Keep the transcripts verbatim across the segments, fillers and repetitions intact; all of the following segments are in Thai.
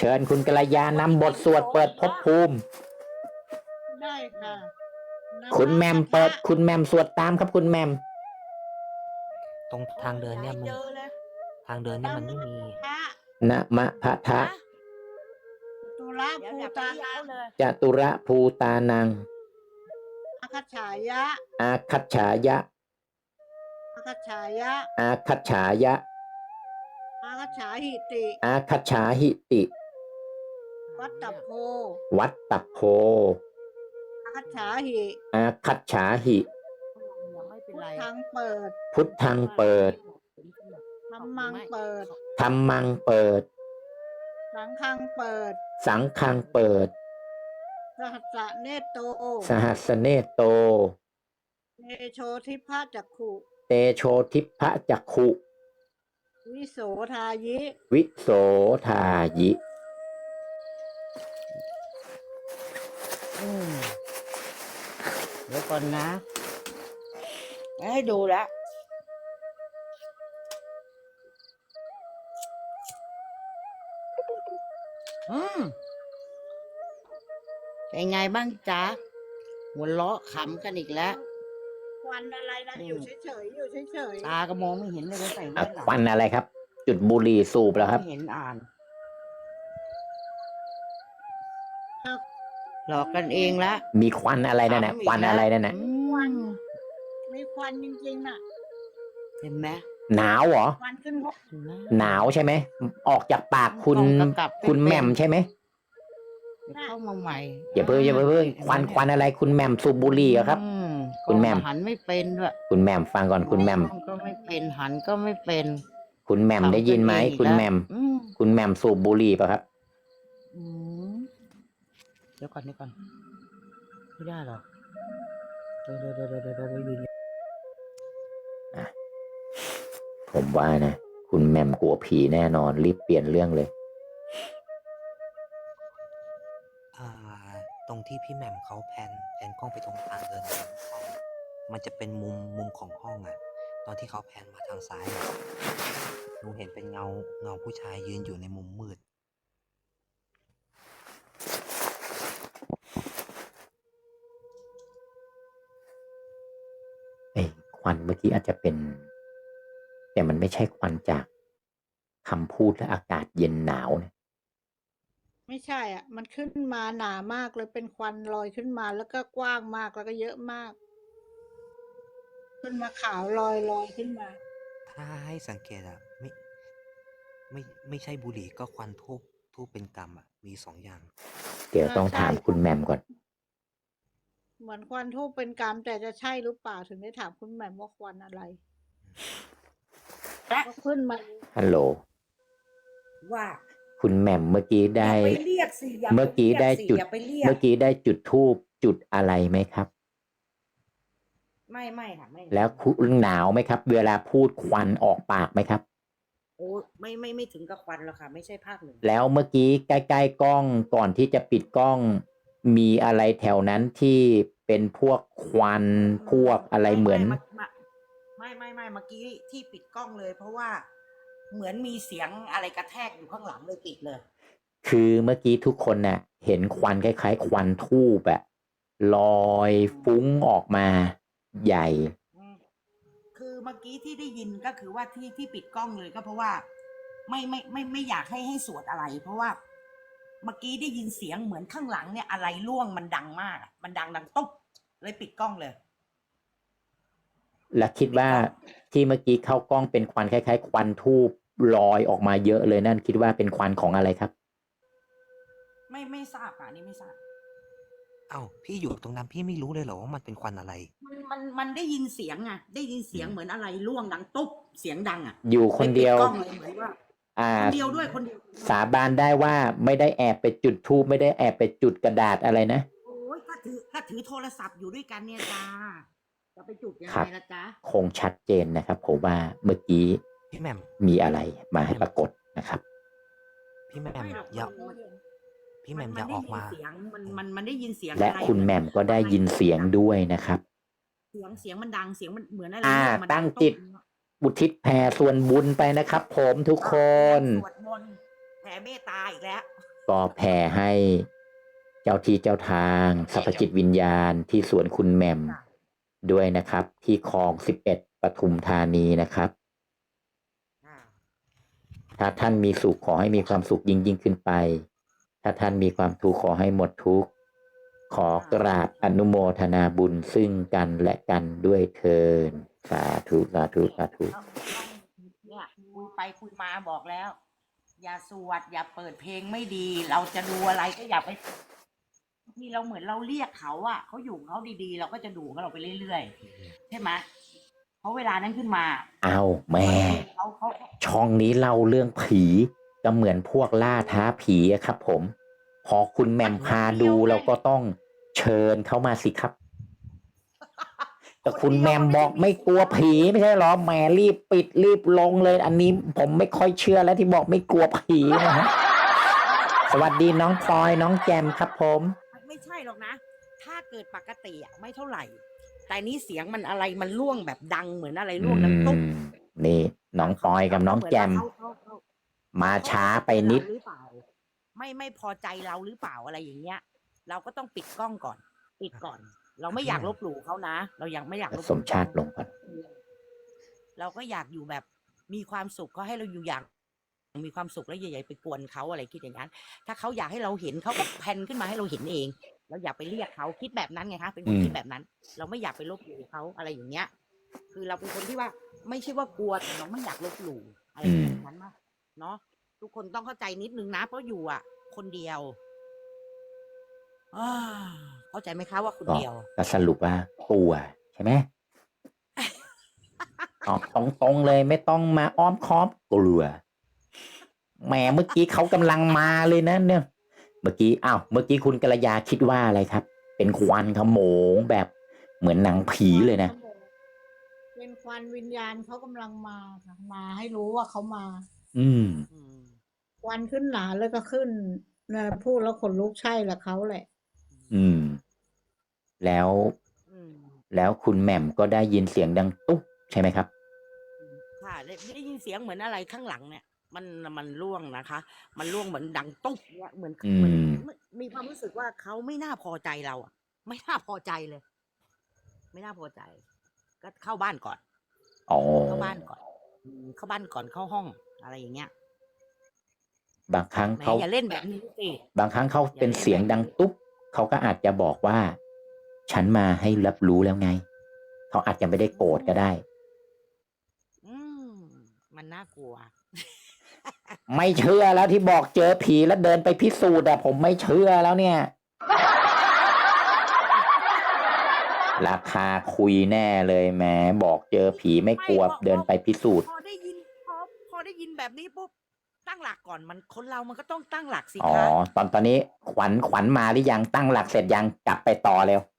เชิญคุณกัลยานำบทสวดเปิดภพภูมิได้ค่ะคุณแมมเปิดคุณแมมสวดตามครับคุณแมมตรงทางเดินเนี่ยมันทางเดินเนี่ยมันไม่มีนะมะพะทะตุระภูตานังจตุระภูตานังอาคัจฉายะอาคัจฉายะอาคัจฉายะอาคัจฉายะอาคัจฉาหิติอาคัจฉาหิติวัตตโพวัตตโพอาคัจฉาหิอาคัจฉาหิพุทธังเปิดพุทธังเปิดธัมมังเปิดธัมมังเปิดสังฆังเปิดสังฆังเปิดสหัสสะเนตโตสหัสเนโตเตโชทิพะจักขุเตโชทิพะจักขุวิโสทายิวิโสทายิอืมเดี๋ยวก่อนนะให้ดูแล้วอืมเป็นไงบ้างจ๊ะหัวเราะขำกันอีกแล้วควันอะไรนะอยู่เฉยๆอยู่เฉยตาก็มองไม่เห็นเลยว่าใส่อ่ะแว่นหลังควันอะไรครับ จุดบุหรี่สูบแล้วครับไม่เห็นอ่านๆครับหลอกกันเองละมีควันอะไรนั่นน่ะถามอีกควันอะไรนั่นน่ะอืมมีควันจริงๆน่ะเห็นไหมหนาวเหรอควันขึ้นหกเห็นไหมหนาวใช่ไหม ออกจากปากคุณกำกับไม่คุณเป็นแหม่มใช่ไหมเดี๋ยวเข้ามาใหม่อย่าเพิ่งอย่าเพิ่งควันควันอะไรคุณแหม่มสูบบุหรี่เหรอครับอืมคุณแหม่มก็หันไม่เป็นด้วยคุณแหม่มฟังก่อนคุณแหม่มมองก็ไม่เป็นหันก็ไม่เป็นคุณแหม่มได้ยินไหมทำตัวเองคุณอีกแล้วแหม่มอืมคุณแหม่มสูบบุหรี่ป่ะครับอืมเดี๋ยวก่อนเดี๋ยวก่อนไม่ได้หรอกเดี๋ยวเดี๋ยวเดี๋ยวเดี๋ยวเดี๋ยวเดี๋ยวยืนผมว่านะ คุณแหม่มกลัวผีแน่นอน รีบเปลี่ยนเรื่องเลยอ่า ตรงที่พี่แหม่มเขาแพนแพนกล้องไปตรงทางเดินของห้องมันจะเป็นมุมมุมของห้องอ่ะ ตอนที่เขาแพนมาทางซ้ายอะหนูเห็นเป็นเงาเงาผู้ชายยืนอยู่ในมุมมืดเอ้ยควันเมื่อกี้อาจจะเป็น แต่มันไม่ใช่ควันจากคำพูดและอากาศเย็นหนาวนะไม่ใช่อ่ะ มันขึ้นมาหนามากเลยเป็นควันลอยขึ้นมาแล้วก็กว้างมากแล้วก็เยอะมาก ขึ้นมาขาวลอยลอยขึ้นมาถ้าให้สังเกตอ่ะไม่ไม่ไม่ใช่บุหรี่ก็ควันทูบทูบเป็นกรรมอ่ะมีสองอย่างเดี๋ยวต้องถามคุณแหม่มก่อนเหมือนควันทูบเป็นกรรมแต่จะใช่หรือเปล่าถึงได้ถามคุณแหม่มว่าควันอะไรก็ขึ้นมาฮัลโหลว่าคุณแหม่มเมื่อกี้อย่าได้ไปเรียกสิอย่าเมื่อกี้ได้จุดอย่าไปเรียกเมื่อกี้ได้จุดทูบจุดอะไรไหมครับไม่ไม่ค่ะไม่แล้วคุณหนาวไหมครับ เวลาพูดควันออกปากไหมครับโอ้ไม่ไม่ไม่ถึงกับควันหรอกค่ะ ไม่ใช่ภาคหนึ่งแล้วเมื่อกี้ใกล้ๆกล้องก่อนที่จะปิดกล้อง มีอะไรแถวนั้นที่เป็นพวกควันพวกอะไรเหมือนไม่ไม่ไม่เมื่อกี้ที่ปิดกล้องเลย เพราะว่าเหมือนมีเสียงอะไรกระแทกอยู่ข้างหลังเลยปิดเลยคือเมื่อกี้ทุกคนน่ะ เห็นควันคล้ายๆ ควันทูบอะลอยฟุ้งออกมาใหญ่อืมคือเมื่อกี้ที่ได้ยินก็คือว่าที่ที่ปิดกล้องเลยก็เพราะว่า ไม่ไม่ไม่ไม่อยากให้ให้สวดอะไร เพราะว่า เมื่อกี้ได้ยินเสียงเหมือนข้างหลังเนี่ยอะไรร่วงมันดังมากอะมันดังดังตุ๊บเลยปิดกล้องเลยและคิดว่าที่เมื่อกี้เข้ากล้องเป็นควันคล้ายๆ ควันทูบลอยออกมาเยอะเลยนั่นคิดว่าเป็นควันของอะไรครับไม่ไม่ทราบอ่ะอันนี่ไม่ทราบเอ้าพี่อยู่ตรงนั้นพี่ไม่รู้เลยเหรอว่ามันเป็นควันอะไรมันมันมันได้ยินเสียงอ่ะ ได้ยินเสียงเหมือนอะไรร่วงดังตุ๊บเสียงดังอ่ะอยู่คนเดียวลปิกล้องเลยเหมือนว่าอ่าคนเดียวด้วยคนเดียวสาบานได้ว่าไม่ได้แอบไปจุดทูบไม่ได้แอบไปจุดกระดาษอะไรนะโอ้ยถ้าถือถ้าถือโทรศัพท์อยู่ด้วยกันเนี่ยจ้าจะไปจุดยังครัไงบล่ะจ๊ะคงชัดเจนนะครับผมว่าเมื่อกี้พี่แหม่มมีอะไรมาให้ปรากฏนะครับพี่แหม่มไม่หรอกอย่ามันพี่แหม่มนอย่าออกมาได้ยินเสียงมันมันมันได้ยินเสียงและอไรคุณแหม่มก็ได้ยินเสียงด้วยนะครับเสียงเสียงมันดังเสียงมันเหมือนอะไรอ่าร่วมันตั้งตุ๊บจิต อุทิศแผ่ส่วนบุญไปนะครับผมทุกคนสวดมนต์แผ่เมตตาอีกแล้วก็แผ่ให้เจ้าที่เจ้าทางสรรพจิตวิญญาณที่สวนคุณแหม่มค่ะด้วยนะครับ ที่คลองสิบเอ็ดปทุมธานีนะครับค่ะถ้าท่านมีสุขขอให้มีความสุขยิ่งยิ่งขึ้นไป ถ้าท่านมีความทุกข์ขอให้หมดทุกข์ ขอกราบอนุโมทนาบุญซึ่งกันและกันด้วยเทินสาธุสาธุสาธุต้องต้องเนี่ยคุยไปคุยมาบอกแล้ว อย่าสวดอย่าเปิดเพลงไม่ดี เราจะดูอะไรก็อย่าไปที่เราเหมือนเราเรียกเขาอะเขาอยู่ของเขาดีๆ เราก็จะดูของเราไปเรื่อยๆใช่ไหมเพราะเวลานั้นขึ้นมาเอาแม่เขาเขาช่องนี้เล่าเรื่องผีก็เหมือนพวกล่าท้าผีอะครับผม พอคุณแหม่มพาดูเราก็ต้องเชิญเข้ามาสิครับ แต่คุณแหม่มบอกไม่กลัวผีไม่ใช่หรอแหมรีบปิดรีบลงเลย อันนี้ผมไม่ค่อยเชื่อแล้วที่บอกไม่กลัวผีนะฮะ สวัสดีน้องพลอยน้องแจมครับผมไม่ใช่หรอกนะ ถ้าเกิดปกติอะไม่เท่าไหร่ แต่นี้เสียงมันอะไรมันล่วงแบบดังเหมือนอะไรล่วงน้ำตุ๊บอืมนี่น้องปอยกับน้องแจมเขาเขาเขามาช้าไปนิดหรือเปล่าไม่ไม่พอใจเราหรือเปล่าอะไรอย่างเงี้ย เราก็ต้องปิดกล้องก่อน ปิดก่อน เราไม่อยากลบหลู่เขานะ เรายังไม่อยากลบหลู่สมชาติลงก่อนเราก็อยากอยู่แบบมีความสุขก็ให้เราอยู่อย่างมีความสุขแล้วใหญ่ๆไปกวนเขาอะไรคิดอย่างนั้น ถ้าเขาอยากให้เราเห็นเขาก็แพนขึ้นมาให้เราเห็นเอง เราอย่าไปเรียกเขาคิดแบบนั้นไงคะเป็นคนอืมคิดแบบนั้น เราไม่อยากไปลบหลู่เขาอะไรอย่างเงี้ย คือเราเป็นคนที่ว่าไม่ใช่ว่ากลัวแต่เราไม่อยากลบหลู่อะไรแบบนั้นมากเนาะทุกคนต้องเข้าใจนิดนึงนะเพราะอยู่อ่ะ คนเดียวอ่าเข้าใจไหมคะว่าคนก็เดียวก็สรุปว่ากลัวใช่ไหม ออกตรงๆเลยไม่ต้องมาอ้อมค้อมกลัวแหมเมื่อกี้เขากำลังมาเลยนะเนี่ย เมื่อกี้อ้าวเมื่อกี้คุณกัลยาคิดว่าอะไรครับ เป็นควันขโมงแบบเหมือนหนังผีเลยนะเป็นควันวิญญาณเขากำลังมาค่ะมาให้รู้ว่าเขามาอืมอืมควันขึ้นหนาแล้วก็ขึ้นนะพูดแล้วขนลุกใช่แหละเขาแหละอืม แล้วอืมแล้วคุณแหม่มก็ได้ยินเสียงดังตุ๊บใช่ไหมครับค่ะได้ได้ยินเสียงเหมือนอะไรข้างหลังเนี่ย มันมันร่วงนะคะ มันร่วงเหมือนดังตุ๊บเนี่ยเหมือนอืมเหมือนมีความรู้สึกว่าเขาไม่น่าพอใจเราอ่ะ ไม่น่าพอใจเลย ไม่น่าพอใจ ก็เข้าบ้านก่อนอ๋อเข้าบ้านก่อนอืมเข้าบ้านก่อนเข้าห้องอะไรอย่างเงี้ยบางครั้งแหมเขาอย่าเล่นแบบนี้สิบางครั้งเขาอย่าเป็นเล่นเสียงแบบดังนี้ตุ๊บเขาก็อาจจะบอกว่า ฉันมาให้รับรู้แล้วไง เขาอาจจะไม่ได้โกรธก็ได้อืมมันน่ากลัวไม่เชื่อแล้วที่บอกเจอผีแล้วเดินไปพิสูจน์อะผมไม่เชื่อแล้วเนี่ย ราคาคุยแน่เลยแหมบอกเจอผีไม่กลัวไม่พอเดินไปพิสูจน์พอได้ยินพอพอได้ยินแบบนี้ปุ๊บตั้งหลักก่อนมันคนเรามันก็ต้องตั้งหลักสิอ๋อคะตอนตอนนี้ขวัญขวัญมาหรือยังตั้งหลักเสร็จยังกลับไปต่อเร็ว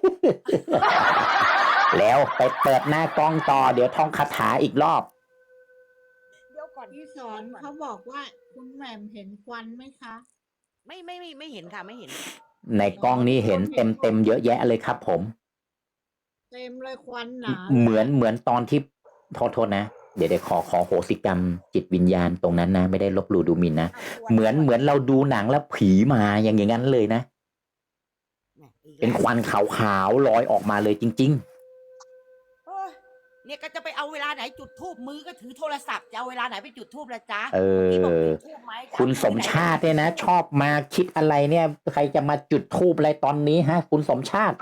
แล้วไปเปิดหน้ากล้องต่อเดี๋ยวท่องคาถาอีกรอบเดี๋ยวก่อนพี่สอนเขาบอกว่าคุณแหม่มเห็นควันไหมคะไม่ไม่ไม่ไม่เห็นค่ะไม่เห็นในกล้องนี้เห็นเต็มเต็มๆเยอะแยะเลยครับผมเต็มเลยควันหนาเหมือนเหมือนตอนที่โทษโทษนะ เดี๋ยวเดี๋ยวขอขอโหสิกรรมจิตวิญญาณตรงนั้นนะ ไม่ได้ลบหลู่ดูหมิ่นนะ เหมือนเหมือนเราดูหนังแล้วผีมาอย่างอย่างนั้นเลยนะ เป็นควันขาวๆลอยออกมาเลยจริงโอ้ยเนี่ยก็จะไปเอาเวลาไหนจุดทูบมือก็ถือโทรศัพท์จะเอาเวลาไหนไปจุดทูบละจ๊ะๆ เอที่บอกอจุดธูปไหมจะคุณเอาสมที่ไหนชาติเนี่ยนะ ชอบมาคิดอะไรเนี่ย ใครจะมาจุดทูบอะไรตอนนี้ฮะ คุณสมชาติ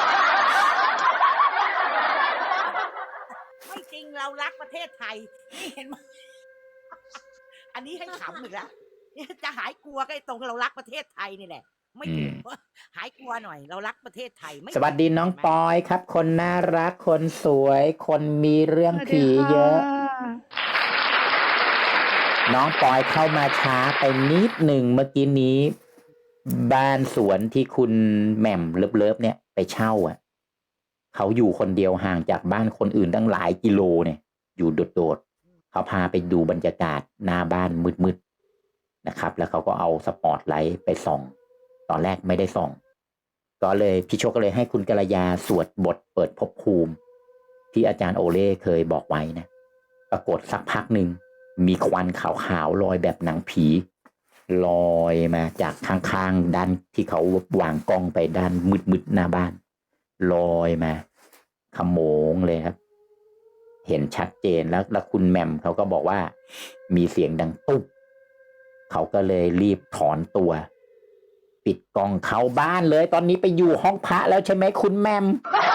ไม่จริงเรารักประเทศไทยนี่เห็นไหม อันนี้ให้ขำอีกแล้วเนี่ยจะหายกลัวก็ไอ้ตรงเรารักประเทศไทยนี่แหละ ไม่ถูก หายกลัวหน่อย เรารักประเทศไทยไม่สวัสดีน้องปอยครับ คนน่ารักคนสวย คนมีเรื่องผีเยอะ น้องปอยเข้ามาช้าไปนิดหนึ่งเมื่อกี้นี้ บ้านสวนที่คุณแหม่มเลิฟๆเนี่ยไปเช่าอ่ะเขาอยู่คนเดียวห่างจากบ้านคนอื่นตั้งหลายกิโลเนี่ย อยู่โดดๆเขาพาไปดูบรรยากาศหน้าบ้านมืดๆนะครับ แล้วเขาก็เอาสปอตไลท์ไปส่อง ตอนแรกไม่ได้ส่อง ก็เลยพี่โชคก็เลยให้คุณกัลยาสวดบทเปิดภพภูมิ ที่อาจารย์โอเล่เคยบอกไว้นะ ปรากฏสักพักหนึ่งมีควันขาวๆลอยแบบหนังผีลอยมาจากข้างๆด้านที่เขาวางกล้องไปด้านมืดๆหน้าบ้านลอยมาขโมงเลยครับ เห็นชัดเจนแล้วแล้วคุณแหม่มเขาก็บอกว่ามีเสียงดังตุ๊บเขาก็เลยรีบถอนตัว ปิดกล้องเข้าบ้านเลย ตอนนี้ไปอยู่ห้องพระแล้วใช่ไหมคุณแหม่ม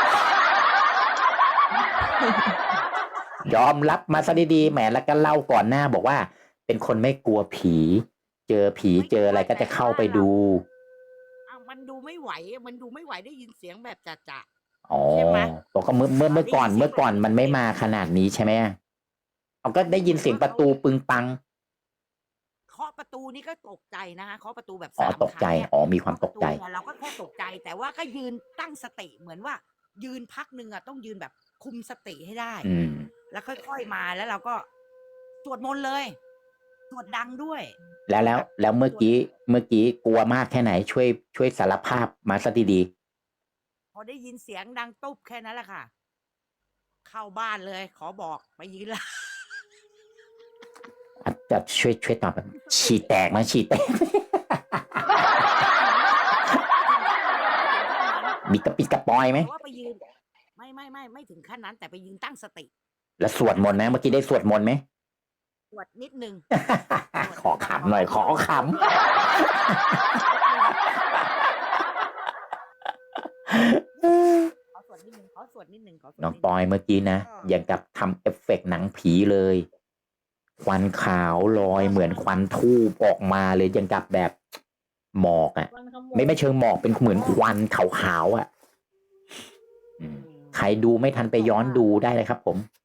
ยอมรับมาซะดีๆแหมแล้วก็เล่าก่อนหน้าบอกว่า เป็นคนไม่กลัวผี เจอผีเจออะไรก็จะเข้าไปดูอ้าวมันดูไม่ไหว มันดูไม่ไหวได้ยินเสียงแบบจะๆอ๋อใช่ไหมบอกก็เมื่อเมื่อเมื่อก่อนได้ยินเสียงเมื่อก่อนมันไม่มาขนาดนี้ใช่ไหมเอาก็ได้ยินเสียงประตูปึงปังเคาะประตูนี่ก็ตกใจนะคะเคาะประตูแบบอ๋อสามตกใจครั้งเนี่ยอ๋อมีความตกใจเคาะประเนี่ยเราก็แค่ตกใจ แต่ว่าก็ยืนตั้งสติเหมือนว่า ยืนพักหนึ่งอะต้องยืนแบบคุมสติให้ได้อืมแล้วค่อยๆมาแล้วเราก็สวดมนต์เลยสวดดังด้วยแล้วแล้วแบบแล้วเมื่อสวดกี้เมื่อกี้กลัวมากแค่ไหนช่วยช่วยสารภาพมาซะดีพอได้ยินเสียงดังตุ๊บแค่นั้นแหละค่ะ เข้าบ้านเลย ขอบอกไปยืนละๆอาจจะช่วยช่วยตอบแบบฉี่แตกไหมฉี่แตก มีกระปิดกระปอยไหมแต่ว่าไปยืน ไม่ไม่ไม่ไม่ถึงขั้นนั้น แต่ไปยืนตั้งสติแล้วสวดมนต์ไหมเมื่อกี้ได้สวดมนต์ไหมสวดนิดนึงขอขำหน่อยขอขำขอสวดนิดนึงขอสวดนิดนึงขอสวดน้องนิดปนึอยเมื่อกี้นะอย่างกับทำเอฟเฟกต์หนังผีเลย ควันขาวลอยเหมือนควันทูบออกมาเลยอย่างกับแบบหมอกอ่ะควันขโมไม่ไม่เชิงหมอกเป็นเหมือนควันขาวๆอ่ะอืมใครดูไม่ทันไปย้อนดูได้เลยครับผม